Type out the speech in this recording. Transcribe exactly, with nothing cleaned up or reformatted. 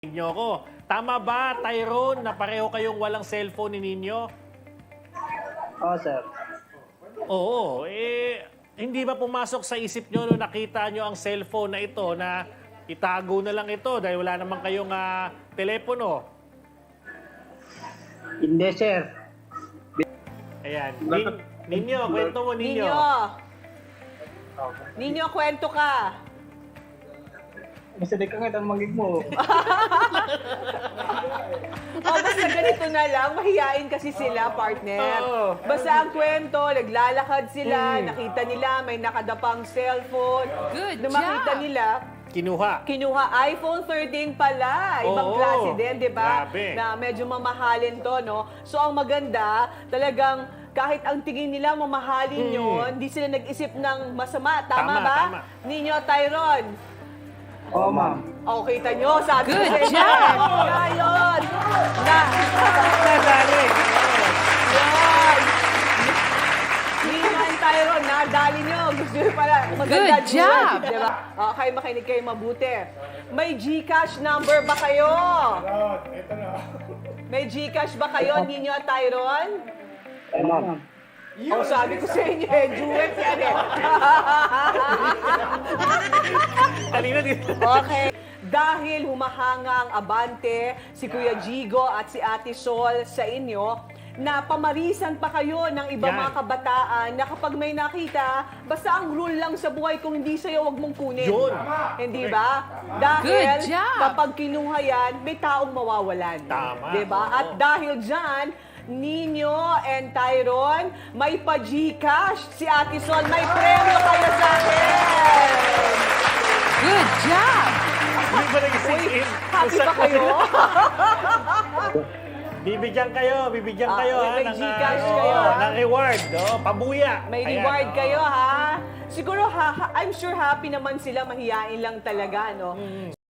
Nyo ko. Tama ba, Tyrone, na pareho kayong walang cellphone ni Ninyo? Oo, sir. Oo. Eh, hindi ba pumasok sa isip nyo nung nakita nyo ang cellphone na ito na itago na lang ito dahil wala naman kayong ah, telepono? Hindi, sir. Ayan. Nin, Ninyo, kwento mo, Ninyo. Ninyo, Ninyo, kwento ka. Masali ka nga itong magig mo. O, basta ganito na lang, mahihain kasi sila, partner. Oo. Basta ang kwento, naglalakad sila, Mm. nakita nila, may nakadapang cellphone. Good Nung makita job. nila, Kinuha. kinuha iPhone thirteen pala. Ibang Oo. klase din, di ba? Grabe. Na medyo mamahalin to, no? So, ang maganda, talagang kahit ang tingin nila mamahalin Mm. yun, hindi sila nag-isip ng masama. Tama, Tama, ba? tama. Ninyo, Tyron. Oo, ma'am. O, kita nyo, sabi ko Good sa inyo. job. Na yun. Na, Nadali. yun. Ninyo and Tyron, nadali nyo. Gusto nyo pala. Maganda Good job. Diba? Okay, makinig kayo mabuti. May GCash number ba kayo? May GCash ba kayo, Ninyo at Tyron? Oo, ma'am. O, sabi ko sa inyo, eh, duet yan eh. Kanina dito. Okay. Dahil humahanga ang abante, si Kuya Jigo at si Ate Sol sa inyo, na pamarisan pa kayo ng ibang Yan. mga kabataan na kapag may nakita, basta ang rule lang sa buhay, kung hindi sa'yo, wag mong kunin. Yun. Hindi ba? Dahil Good job. kapag kinuha yan, may taong mawawalan. Tama. Diba? Oo. At dahil dyan, Ninyo and Tyron, may pa-Gcash. Si Ate Sol, may premyo kayo sa akin. Good job. Hindi ba nag-sink Uy, in? happy ba kayo? Bibigyan kayo, bibigyan Ah, kayo may- ha, may ng, Gcash ah, kayo, oo, ha? ng reward, oh, pabuya. May Ayan, reward oo. kayo, ha? Siguro, ha, ha- I'm sure happy naman sila, mahihain lang talaga, no?